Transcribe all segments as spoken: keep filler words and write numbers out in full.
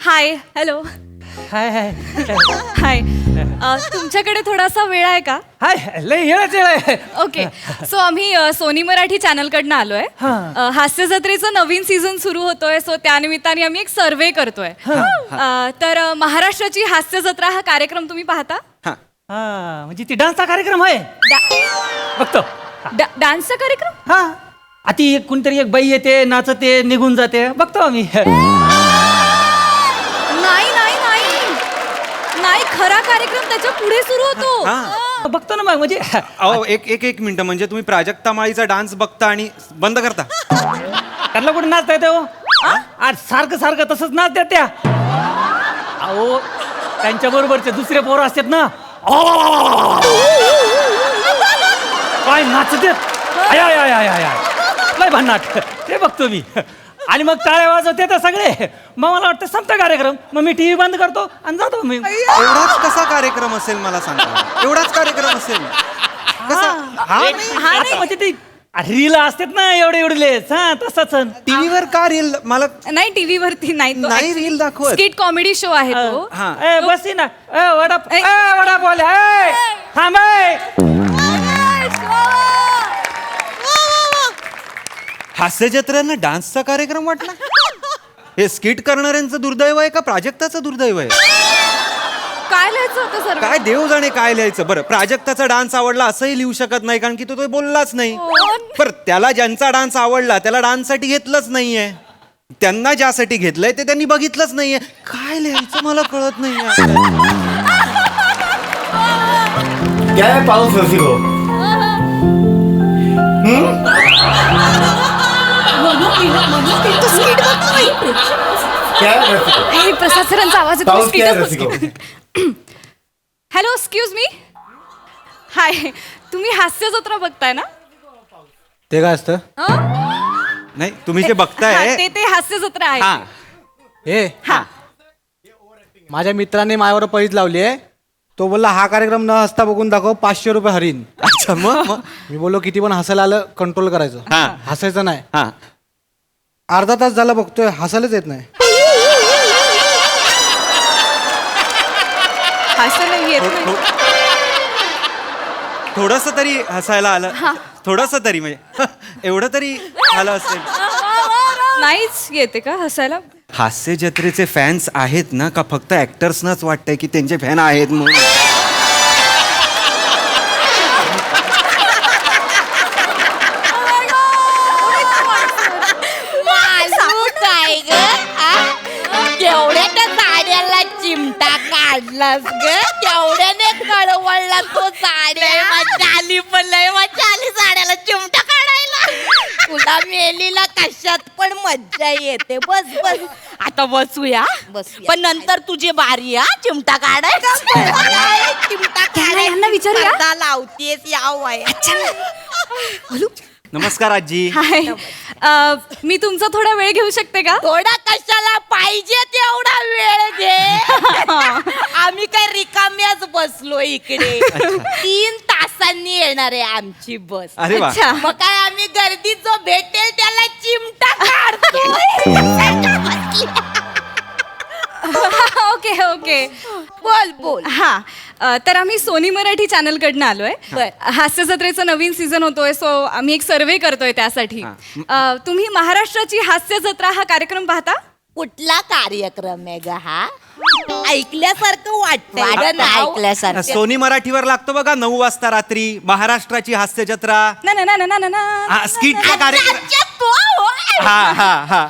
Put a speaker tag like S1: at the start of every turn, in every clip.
S1: Hi hello
S2: hi हाय
S1: हाय तुमच्याकडे थोडासा वेळ आहे का?
S2: हाय लय येळच येळ आहे.
S1: ओके सो आम्ही अ, सोनी मराठी चॅनलकडनं आलोय.
S2: हा.
S1: अ, हास्य जत्रेचं नवीन सीझन सुरू होतोय सो त्यानिमित्ताने आम्ही एक सर्वे करतोय. अ, तर अ, महाराष्ट्राची हास्य जत्रा हा कार्यक्रम तुम्ही पाहता?
S2: हा म्हणजे ती डान्सचा कार्यक्रम आहे
S1: डा-
S2: बघतो.
S1: डा- डान्सचा कार्यक्रम?
S2: हा आती एक कोणतरी एक बाई येते नाचते निघून जाते बघतो आम्ही.
S1: नाही नाही नाही नाही खरा कार्यक्रम त्याच्या पुढे सुरू होतो.
S3: हा.
S2: बघतो ना मग म्हणजे
S3: अहो एक एक एक मिनिट म्हणजे तुम्ही प्राजक्ता माळीचा डान्स बघता आणि बंद करता.
S2: त्यांना कुठे नाचता येते हो? आज सारखं सारखं तसंच नाचतात त्या. अहो त्यांच्या बरोबरचे दुसरे पोरं असतात ना काय नाचतात आय आय आय आय आय आय. लय भन्नाट ते बघतो मी आणि मग टाळ्या वाजवते तर सगळे मग मला वाटतं संपता कार्यक्रम मग मी टीव्ही बंद करतो आणि जातो मी.
S3: एवढाच कसा कार्यक्रम असेल मला सांगा. एवढाच कार्यक्रम असेल कसा हा
S1: हा
S2: आता
S1: नाही
S2: म्हणजे ते रील असतात ना एवढे एवढे हा तसंच.
S3: टीव्हीवर का रील मला
S1: नाही टीव्ही वरती नाही तो
S3: नाही रील दाखवत.
S1: स्किट कॉमेडी शो आहे तो.
S3: हा
S2: ए बसी ना ए वडा
S1: ए.
S2: ए वडा बोल ए थांब ए.
S3: हास्य जत्रेनं डान्सचा कार्यक्रम वाटला. हे स्किट करणाऱ्यांचं दुर्दैव आहे का प्राजक्ताचं दुर्दैव आहे?
S1: काय लिहायचं होतं सर?
S3: काय देव जाणे काय लिहायचं. बरं प्राजक्ताचा डान्स आवडला असंही लिहू शकत नाही कारण की तो तो बोललाच नाही. बरं त्याला ज्यांचा डान्स आवडला त्याला डान्ससाठी घेतलंच नाहीये. त्यांना ज्यासाठी घेतलंय ते त्यांनी बघितलंच नाहीये. काय लिहायचं मला कळत नाहीये.
S4: क्या पाऊस रसिक हो क्या रसिक हो?
S1: हे प्रसाद सरांचा आवाज येतो.
S4: पाऊस क्या
S1: स्किटच
S4: रसिक हो?
S1: बघ. Hello excuse me. हाय तुम्ही हास्य जत्रा बघताय ना?
S4: ते काय असतं
S1: हं?
S3: नाही तुम्ही जे
S1: हा,
S3: बघताय
S1: ते ते हास्य जत्रा
S3: हा
S1: आहे.
S4: हे
S1: हा
S4: माझ्या मित्राने माझ्यावर पैज लावली आहे. तो बोलला हा कार्यक्रम न हसता बघून दाखव पाचशे रुपये हरीन.
S3: अच्छा मग मग
S4: मी बोललो किती पण हसायला आलं कंट्रोल करायचं
S3: हा.
S4: हसायचं नाही.
S3: हा
S4: अर्धा तास झाला बघतोय हसायलाच येत नाही.
S1: हास्य नाही येत नाही.
S3: थोडस तरी हसायला आलं. थोडस तरी म्हणजे एवढं तरी आलं असेल.
S1: नाहीच येते का हसायला?
S3: हास्य जत्रेचे फॅन्स आहेत ना का फक्त ऍक्टर्सनाच वाटतंय की त्यांचे फॅन आहेत म्हणून?
S5: काय ग केवढ्या त्या साड्याला चिमटा काढलास ग केवढ्याने कळवळला तो साड्या चाली पण लय मजा आली साड्याला चिमटा काढायला. तुला मेलीला कशात पण मज्जा येते. बस बस आता बसूया पण नंतर तुझी बारी हा चिमटा काढायचा. चिमटा
S1: यांना- यांना विचारूया.
S5: काढायला लावतेस या वय.
S3: नमस्कार आजी.
S1: हाय अ, मी तुमचा थोडा वेळ घेऊ शकते का?
S5: थोडा कशाला पाहिजे तेवढा वेळ घे. आम्ही काय रिकाम्याच बसलो इकडे. तीन तासांनी येणार आहे आमची बस.
S3: अरे वा.
S1: अच्छा.
S5: मग काय आम्ही गर्दीत जो भेटेल त्याला चिमटा काढतो.
S1: ओके ओके
S5: बोल बोल.
S1: हा अ, तर आम्ही सोनी मराठी चॅनलकडनं आलोय.
S5: बर.
S1: हास्य जत्रेचं नवीन सीझन होतोय सो आम्ही एक सर्वे करतोय त्यासाठी. अ, तुम्ही महाराष्ट्राची हास्य जत्रा हा कार्यक्रम पाहता?
S5: कुठला कार्यक्रम आहे ग हा? ऐकल्यासारखं वाटतंय. ऐकल्यासारखं.
S3: सोनी मराठीवर लागतो बघा नऊ वाजता रात्री महाराष्ट्राची हास्य जत्रा.
S1: ना ना ना ना ना ना
S3: हा, स्किटचा कार्यक्रम.
S5: अच्छा, तो होय.
S3: हा हा हा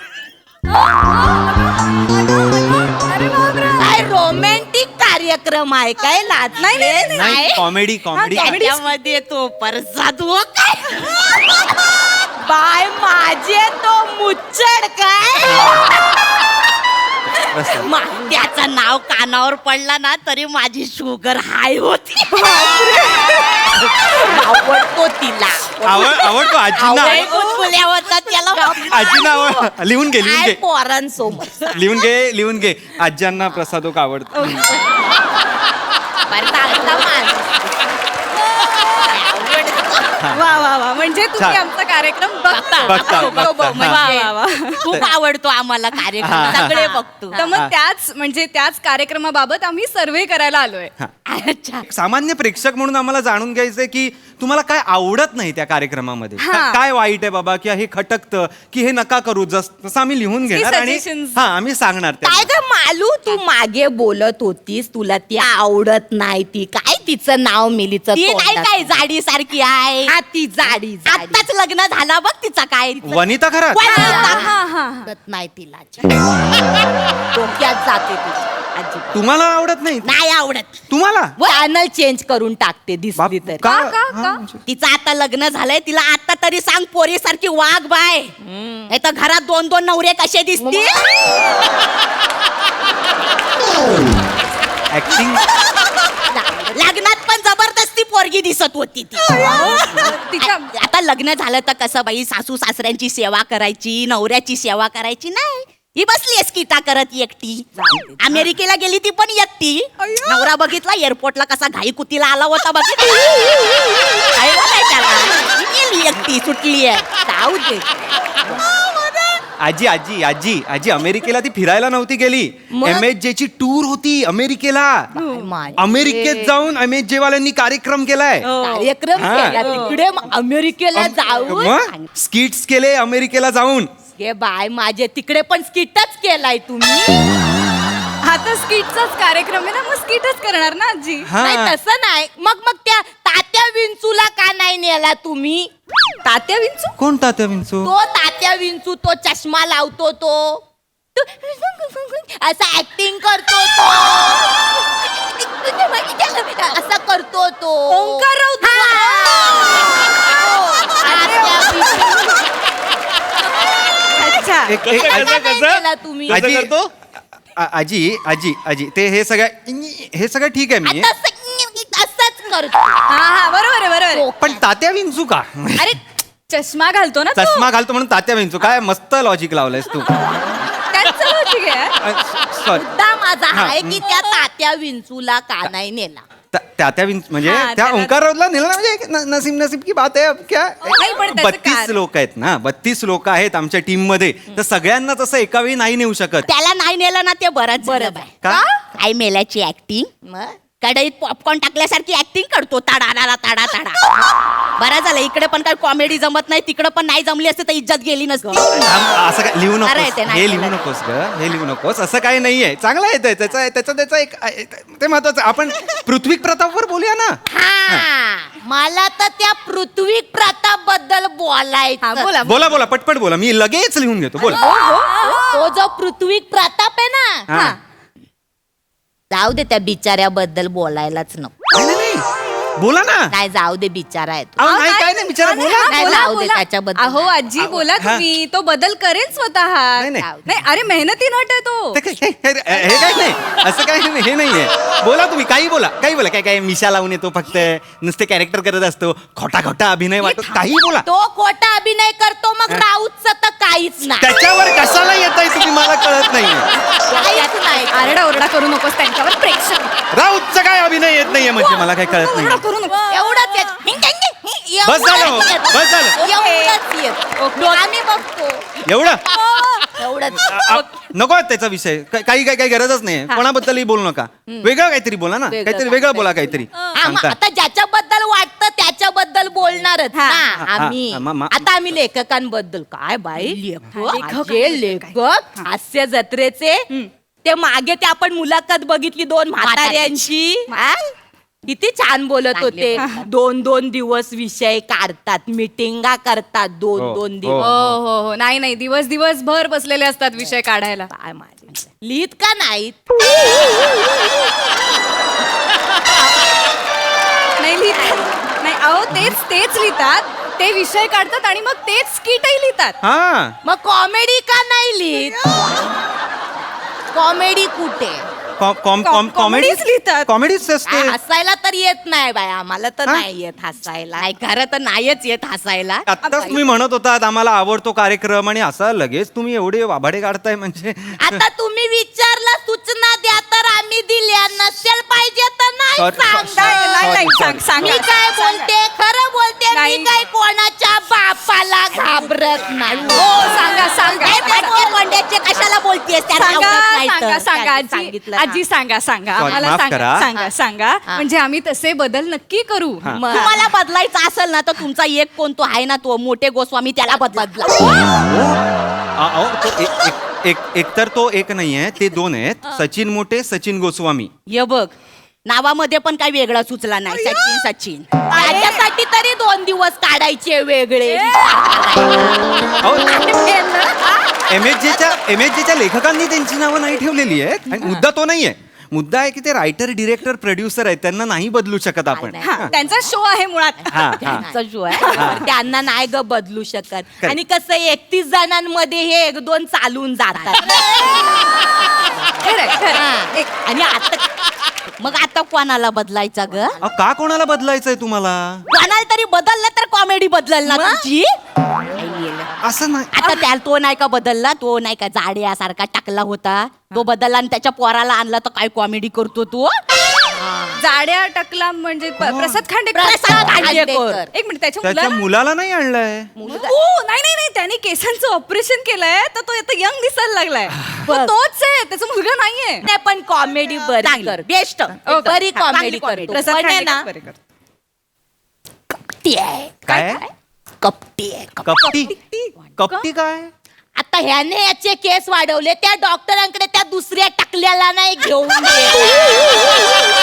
S5: काय रोमॅन्टिक कार्यक्रम आहे काय? लाज नाही
S3: नाही कॉमेडी कॉमेडी
S5: त्याच्यामध्ये तो परसाद हो काय बाय माझे तो मुच्चड काय मा- त्याचं नाव कानावर पडला ना तरी माझी शुगर हाय होती. आवडतो तिला.
S3: आवड आवडतो आजीना.
S5: आवड गुदगुल्या होता त्याला.
S3: आजीना आवड लिहून घे लिहून
S5: काय
S3: घे
S5: पोरांसोबत
S3: लिहून घे लिहून घे आज्यांना प्रसादोक आवडतो.
S5: बरं चांगला माणूस.
S1: वा वा वा म्हणजे तुम्ही
S3: छान.
S1: आमचा कार्यक्रम बघतो
S3: बघता,
S5: बघतो,
S3: बघता.
S5: म्हणजे
S1: वा, वा,
S5: खूप आवडतो आम्हाला कार्यक्रम सगळे बघतो
S1: तर मग त्याच म्हणजे त्याच कार्यक्रमाबाबत आम्ही सर्वे करायला आलोय
S5: अच्छा
S3: सामान्य प्रेक्षक म्हणून आम्हाला जाणून घ्यायचंय की तुम्हाला काय आवडत नाही त्या कार्यक्रमामध्ये
S1: हा.
S3: का- काय वाईट आहे बाबा की हे खटकतं की हे नका करू जस तसं आम्ही लिहून घेणार आणि
S1: suggestions.
S3: हा आम्ही सांगणार
S5: काय
S3: त्यांना.
S5: ग मालू तू मागे बोलत होतीस तुला ती आवडत नाही ती काय तिचं नाव मिलीचं ती नाही काय जाडी सारखी आहे हा ती जाडी आताच लग्न झाला बघ तिचा काय
S3: वनिता खरा
S5: वनिता.
S1: हा हा
S5: आवडत नाही तिला डोक्यात जाते तुझी अजिबात.
S3: तुम्हाला आवडत नाही
S5: नाही आवडत
S3: तुम्हाला
S5: चॅनल चेंज करून टाकते
S3: बाप-
S5: दिसली तर
S3: का?
S1: का
S3: हा,
S1: का
S3: म्हणजे-
S5: तिचं आता लग्न झालंय तिला आता तरी सांग पोरी सारखी वाघ बाय नाही तर घरात दोन दोन नवरे कसे दिसतील
S3: ऍक्टिंग
S5: लग्नात पण जबरदस्ती पोरगी दिसत होती ती
S1: तिच्या
S5: आ- आता लग्न झालं तर कसं बाई सासू सासऱ्यांची सेवा करायची नवऱ्याची सेवा करायची नाही ही बसली स्किटा करत एकटी अमेरिकेला गेली ती पण एकटी नवरा बघितला एअरपोर्टला कसा घाई कुतीला आला होता बघितला काय बोलाय त्याला ही गेली एकटी सुटली आहे जाऊ दे
S3: आजी आजी आजी आजी अमेरिकेला ती फिरायला नव्हती गेली
S5: मग?
S3: एम एच जे ची टूर होती अमेरिकेला
S5: माय.
S3: अमेरिकेत जाऊन एम एच जे वाल्यांनी कार्यक्रम केलाय
S5: कार्यक्रम
S3: हा.
S5: केला तिकडे मग अमेरिकेला जाऊन
S3: मग स्किट्स केले अमेरिकेला जाऊन
S5: हे बाय माझे तिकडे पण स्किटच केलाय तुम्ही
S1: हा तर स्किटचाच कार्यक्रम आहे ना मग स्किटच करणार ना आजी
S3: हा.
S5: नाही तसं नाही मग मग त्या तात्या विंचूला का नाही नेला तुम्ही
S1: तात्या विंचू
S3: कोण तात्या विंचू
S5: तो तात्या विंचू तो चष्मा लावतो तो तो असा ऍक्टिंग करतो तो असं करतो तो
S1: ओंकार राऊत.
S5: हा. तात्या विंचू.
S1: अच्छा
S3: एक- एक-
S5: का
S3: आजी-
S5: नाही नेला तुम्ही
S3: आजी आ- आजी आजी आजी ते हे सगळं हे सगळं ठीक आहे मी
S5: आता असं- असंच करतो
S1: हा हा बरोबर आहे बरोबर आहे.
S3: पण तात्या विंचू का
S1: अरे चष्मा घालतो ना तो
S3: चष्मा घालतो म्हणून तात्या विंचू काय मस्त लॉजिक लावलंयस तू
S1: त्यांचं logic आहे
S3: सॉरी
S5: मुद्दा माझा
S3: हा.
S5: आहे की त्या तात्या विंचूला का नाही नेला
S3: तात्या विंच म्हणजे
S1: हा,
S3: त्या
S1: त्याला-
S3: ओंकार राऊतला नेलं ना, म्हणजे एक न- नसीब नसीब की बात आहे अब क्या
S1: नाही, पण त्याचं
S3: बत्तीस
S1: कारण-
S3: लोक आहेत ना बत्तीस लोक आहेत आमच्या टीम मध्ये तर सगळ्यांना तसं एका वेळी नाही नेऊ शकत
S5: त्याला नाही नेलं ना ते बरंच बरं बाय
S3: का
S5: काय मेल्याची ऍक्टिंग कढईत पॉपकॉर्न टाकल्यासारखी ऍक्टिंग करतो ताडा ताडा ताडा ताडा बरं झालं इकडे पण काय कॉमेडी जमत नाही तिकडे पण नाही जमली असते तर इज्जत गेली नसती
S3: आम- असं काय लिहू
S5: अरे,
S3: नकोस
S5: ते नाही
S3: हे लिहू
S5: केलं.
S3: नकोस ग हे लिहू नकोस असं काही नाहीये चांगलं आहे ते. त्याचं त्याचं त्याचं एक ते महत्वाचं आपण पृथ्वी प्रतापवर बोलूया ना
S5: हा मला तर त्या पृथ्वी प्रताप बद्दल
S1: हा
S5: बोलायचं
S1: बोला
S3: बोला बोला पटपट बोला मी लगेच लिहून घेतो बोला
S5: तो जो पृथ्वी प्रताप आहे ना
S3: हा.
S5: जाऊ दे त्या बिचाऱ्याबद्दल बोलायलाच नको
S3: नाही, नाही, नाही. बोला ना
S5: नाही जाऊ दे बिचारा आहे तो
S3: अहो, नाही काय नाही बिचारा बोला
S5: नाही,
S1: बोला,
S5: जाऊ दे
S1: बोला.
S5: त्याच्याबद्दल.
S1: अहो आजी बोला
S3: हा.
S1: तुम्ही तो बदल करेल स्वतः
S3: नाही, नाही.
S1: नाही अरे मेहनती नट आहे तो
S3: ते काय- हे हे- हे काय नाही असं काय नाही, हे नाहीये बोला तुम्ही काही बोला काही बोला काय काय मिशा लावून येतो फक्त नुसते कॅरेक्टर करत असतो खोटा खोटा अभिनय वाटतो काही बोला
S5: तो खोटा अभिनय करतो मग राऊतच तर काहीच नाही
S3: त्याच्यावर कशाला येत आहे तुम्ही मला कळत नाही
S5: काहीच नाही
S1: आरडा ओरडा करू नकोस त्यांच्यावर प्रेक्षक
S3: राऊतचा काय अभिनय येत नाहीये म्हणजे मला काय कळत
S1: ओरडा
S3: नाही
S1: करू नको
S5: एवढंच येत. हिंग, हिंग, हिंग,
S3: बस झालं हो,
S5: एवढंच येत.
S3: बस झालं.
S5: एवढंच येत. आम्ही बघतो
S3: एवढं
S5: एवढंच
S3: आ- आ- नको आहे त्याचा विषय का- काही काही काही गरजच नाही कोणाबद्दलही बोलू नका वेगळं काहीतरी बोला ना
S5: वेगळं
S3: काहीतरी वेगळं बोला काहीतरी
S5: हा, मग
S3: सांगता
S5: आता ज्याच्याबद्दल वाटतं त्याच्याबद्दल बोलणारच
S1: हा,
S5: ना
S3: हा,
S5: आम्ही
S3: हा, मा- मा-
S5: आता आम्ही लेखकांबद्दल काय बाई
S1: लेखक,
S5: माझे लेखक हास्य जत्रेचे ते मागे ते आपण मुलाखत बघितली दोन म्हाताऱ्यांची हा? किती छान बोलत होते दोन दोन दिवस विषय काढतात मिटिंगा करतात दोन
S3: हो,
S5: दोन
S3: हो.
S5: दिवस
S1: हो हो हो नाही नाही दिवस दिवस भर बसलेले असतात विषय काढायला
S5: काय माझे लिहित का नाहीत
S1: नाही लिहितात नाही अहो तेच तेच लिहितात ते विषय काढतात आणि मग तेच स्किटही लिहितात
S3: हा
S5: मग कॉमेडी का नाही लिहित कॉमेडी कुठे
S3: कॉमेडी
S1: comedies लिहितात.
S3: कॉमेडीच असते
S5: आ, हसायला तर येत नाही बाय आम्हाला तर
S3: हा?
S5: नाही येत हसायला नाही खरं तर नाहीच येत हसायला
S3: आत्ताच तुम्ही म्हणत होतात आम्हाला आवडतो कार्यक्रम आणि असा लगेच तुम्ही एवढे वाभाडे काढताय म्हणजे
S5: आता तुम्ही विचारला सूचना द्या तर आम्ही दिल्या नसेल पाहिजे तर नाही
S3: Sorry,
S5: सांगा.
S3: sorry,
S1: नाही, नाही,
S3: sorry,
S1: सांग- सांगा.
S5: मी काय बोलते खरं बोलते म्हणजे
S1: नाही.
S5: मी काय कोणाच्या बापाला घाबरत नाही
S1: हो सांगा सांगा
S5: काय फटके कोंड्याचे कशाला बोलतेस त्याला
S1: सांगा
S5: आवडत नाही तर.
S1: सांगा सांगा
S5: त्यांनी
S1: आजी
S5: सांगितलं
S1: आजी सांगा सांगा
S3: Sorry,
S1: आम्हाला
S3: माफ
S1: सांगा
S3: करा.
S1: सांगा सांगा म्हणजे आम्ही तसे बदल नक्की करू
S5: मग तुम्हाला बदलायचं असेल ना तर तुमचा एक कोण तो आहे ना तो मोठे गोस्वामी त्याला बदला
S3: अ- अहो, तो एक- एक- एक एक तर तो एक नाही आहे ते दोन आहेत सचिन मोठे सचिन गोस्वामी
S5: ये बग नावामध्ये पण काही वेगळा सुचला नाही सचिन सचिन त्याच्यासाठी तरी दोन दिवस काढायचे वेगळे
S3: एम एच जेच्या एम एच जेच्या लेखकांनी त्यांची नावं नाही ठेवलेली आहेत आणि मुद्दा तो नाहीये मुद्दा आहे की ते रायटर डिरेक्टर प्रोड्युसर आहेत त्यांना नाही बदलू शकत आपण
S5: नाही,
S1: हा, त्यांचा शो आहे मुळात
S3: हा, हा.
S5: त्यांचा शो आहे तर त्यांना नाही ग बदलू शकत आणि कसं एकतीस जणांमध्ये हे एक दोन चालून जातात
S1: खरंय, खरंय.
S5: हा.
S1: एक-
S5: आणि आता मग आता कोणाला बदलायचा ग
S3: अहो, का कोणाला बदलायचंय तुम्हाला
S5: कोणाला तरी बदललं तर कॉमेडी बदलल ना तुमची
S3: असं नाही
S5: आता त्याला तो नाही का बदलला तो नाही का जाड्यासारखा टाकला होता तो बदलला आणि त्याच्या पोराला आणला तर काय कॉमेडी करतो तो
S1: जाड्या टकला म्हणजे प- प्रसाद खांडेकर
S5: प्रसाद खांडेकर.
S1: एक मिनिट त्याच्या
S3: त्याच्या
S1: मुलाला
S3: मुलाला नाही आणलंय
S1: हो, नाही नाही नाही त्याने केसांचं ऑपरेशन केलंय तर तो आता यंग दिसायला लागलाय तो
S5: बघ.
S1: तोच आहे त्याचा मुलगा नाहीये
S5: नाही पण कॉमेडी बरी कर बेस्ट
S1: Okay.
S5: बरी
S1: हा,
S5: कॉमेडी
S1: चांगली
S5: करतो
S1: comedy. प्रसाद
S5: पण आहे
S1: खांडेकर
S5: ना
S1: बरे करतो.
S5: कपटी आहे
S3: काय
S5: कपटी आहे कपटी.
S3: कपटी कपटी काय
S5: आता ह्याने याचे केस वाढवले त्या डॉक्टरांकडे त्या दुसऱ्या टाकल्याला नाही घेऊन गेला.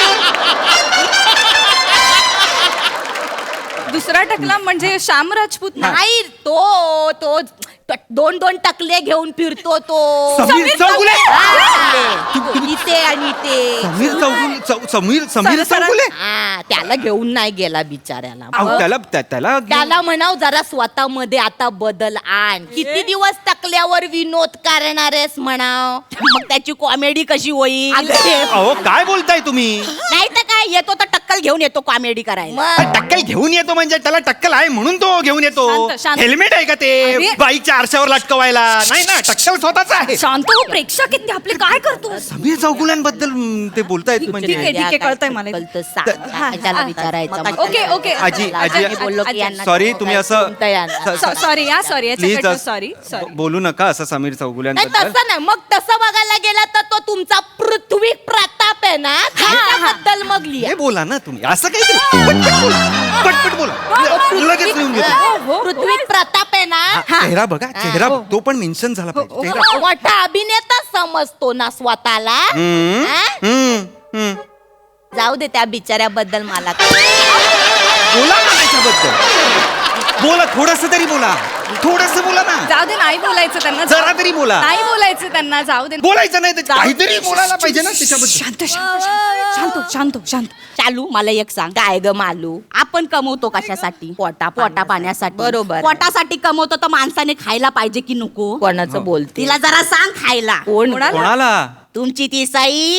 S1: दुसरा टकला म्हणजे श्याम राजपूत ना?
S5: नाही तो तो ट- दोन दोन टकले घेऊन फिरतो तो
S3: समीर चौगुले
S5: हा. इथे आणि ते
S3: समीर चौगुले चौ- समीर समीर
S1: सर- सर-
S3: चौगुले
S5: हा, त्याला घेऊन नाही गेला बिचाऱ्याला
S3: अहो, त्याला त्या- त्याला घेऊन-
S5: त्याला म्हणाव जरा स्वतःमध्ये आता बदल आण किती दिवस टकल्यावर विनोद करणारेस म्हणाव मग त्याची कॉमेडी कशी होईल
S3: अहो काय बोलताय तुम्ही
S5: नाही तर काय येतो तर टक्कल घेऊन येतो कॉमेडी करायला
S3: टक्कल घेऊन येतो म्हणजे त्याला टक्कल आहे म्हणून तो घेऊन येतो
S1: शांत, शांत.
S3: हेल्मेट आहे का ते
S1: अरे.
S3: बाईकच्या आरशावर लटकवायला नाही ना टक्कल स्वतःच आहे
S1: शांत हो प्रेक्षक आहेत ते आपले काय करतो
S3: समीर चौगुल्यांबद्दल म, ते बोलतायत म्हणजे
S1: ठीक आहे, ठीक आहे, कळतंय मला.
S5: कळतं, सांग.
S1: हा,
S5: त्याला
S1: हा,
S5: विचारायचं
S1: हा. Okay, okay.
S3: आजी, आजी,
S5: आजी बोललो की यांना
S3: सॉरी तुम्ही असं
S5: कोणतं यांना?
S3: स- स-
S1: सॉरी हा सॉरी
S3: प्लीज
S1: याच्याकडनं सॉरी सॉरी
S3: बोलू नका असं समीर
S5: नाही
S3: चौगुल्यांबद्दल
S5: तसं नाही मग तसं बघायला गेला तर तो तुमचा पृथ्वी प्रताप आहे ना त्याच्याबद्दल मग लिहा
S3: हे बोला ना तुम्ही असं काहीतरी पटपट बोला पटपट बोला लगेच लिहून घेतो
S5: पृथ्वी प्रताप आहे ना
S3: हा, चेहरा बघा चेहरा बघ. तो पण मेन्शन झाला पाहिजे चेहरा
S5: मोठा अभिनेता समजतो ना स्वतःला
S3: हम्म,
S5: हा?
S3: हम्म, हम्म.
S5: जाऊ दे त्या बिचाऱ्याबद्दल मला काय.
S3: बोला ना त्याच्याबद्दल बोला थोडस तरी बोला थोडस बोला ना
S1: जाऊ दे नाही बोलायचं त्यांना
S3: जरा तरी बोला
S1: नाही बोलायचं त्यांना जाऊ दे
S3: बोलायचं नाही तर
S1: जाऊ-
S3: काहीतरी बोलायला पाहिजे ना त्याच्याबद्दल
S1: शांत शांत शांत शांत शांत शांत
S5: चालू मला एक सांग काय ग मालू आपण कमवतो कशासाठी पोटा पोटा पाण्यासाठी बरोबर पोटासाठी कमवतो तर माणसाने खायला पाहिजे की नको कोणाचं बोलते तिला जरा सांग खायला कोण
S3: कोणाला
S5: तुमची ती सई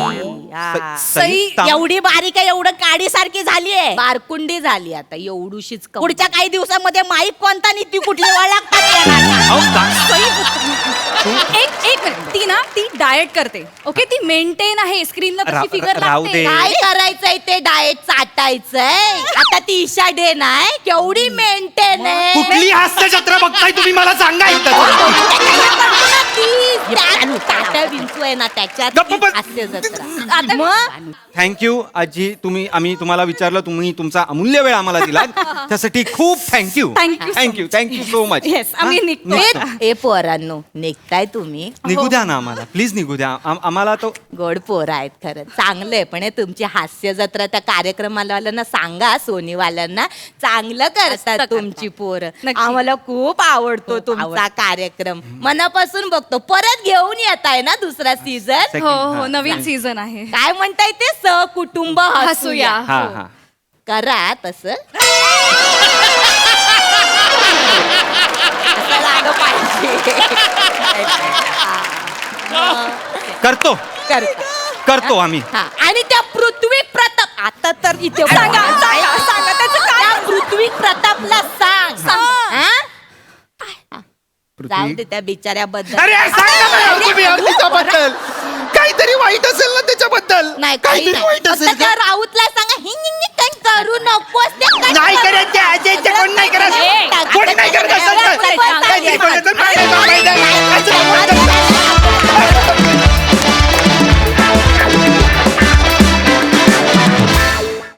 S1: सई
S3: ताम-
S5: एवढी बारीक आहे एवढं काडी सारखी झालीये बारकुंडी झाली आता एवढूशीच कम- पुढच्या काही दिवसामध्ये माईक कोणता नी ती कुठली ओळखतात
S3: अहो, का-
S1: एक एक मिनिट ती ना ती डाएट करते ओके ती मेंटेन आहे स्क्रीनला
S3: रा-
S1: तशी फिगर
S3: राहू
S1: लागते
S3: दे.
S5: काय करायचंय ते डाएट चाटायचंय आता ती ईशा डे नाही केवढी मेंटेन आहे
S3: कुठली हास्य जत्रा बघताय तुम्ही मला सांगा एकदा
S5: विंचू आहे ना त्याच्यात
S3: गप्प बस.
S5: हास्य जत्रा
S1: आता
S5: मग
S3: थँक्यू आजी तुम्ही आम्ही तुम्हाला विचारलं तुम्ही तुमचा अमूल्य वेळ आम्हाला दिला त्यासाठी खूप thank you
S1: Thank you so
S3: thank you thank you so much
S1: Yes, आम्ही निघतो.
S5: ए पोरांनो निघताय तुम्ही
S3: निघू द्या ना आम्हाला प्लीज निघू द्या आम- आम्हाला तो
S5: गोड पोर आहेत खरं चांगलंय पण हे तुमची हास्य जत्रा त्या कार्यक्रमावाल्यांना सांगा सोनीवाल्यांना चांगलं करतात तुमची पोरं
S1: नक्की.
S5: आम्हाला खूप आवडतो तुमचा कार्यक्रम मनापासून बघतो परत घेऊन येत आहे ना दुसरा सीझन
S3: Second,
S1: हो हो
S3: हा,
S1: नवीन
S3: thank-
S1: सीझन आहे
S5: काय म्हणताय ते सहकुटुंब
S1: हसूया
S5: हसूया
S3: हा
S1: हो.
S3: हा
S5: करा तसं असं लागलं पाहिजे
S3: करतो
S5: करता
S3: करतो आम्ही
S5: हा आणि त्या पृथ्वी प्रताप आता तर इथे
S1: सांगा, सांगा, सांगा, त्याचं काय?
S5: त्या पृथ्वी प्रतापला सांग हा? जाऊ
S3: पृथ्वी
S5: दे त्या बिचाऱ्याबद्दल
S3: अरे सांगा ना यार तुम्ही यार तिच्याबद्दल काहीतरी वाईट असेल ना त्याच्याबद्दल
S5: नाही काही
S3: काहीतरी
S5: नाही
S3: वाईट
S5: फक्त
S3: असेल
S5: त्या
S3: का?
S5: राऊतला सांगा हिंग हिंग काही करू नकोस ते काही
S3: नाही
S5: करू
S3: करायचं इथे कोण नाही करत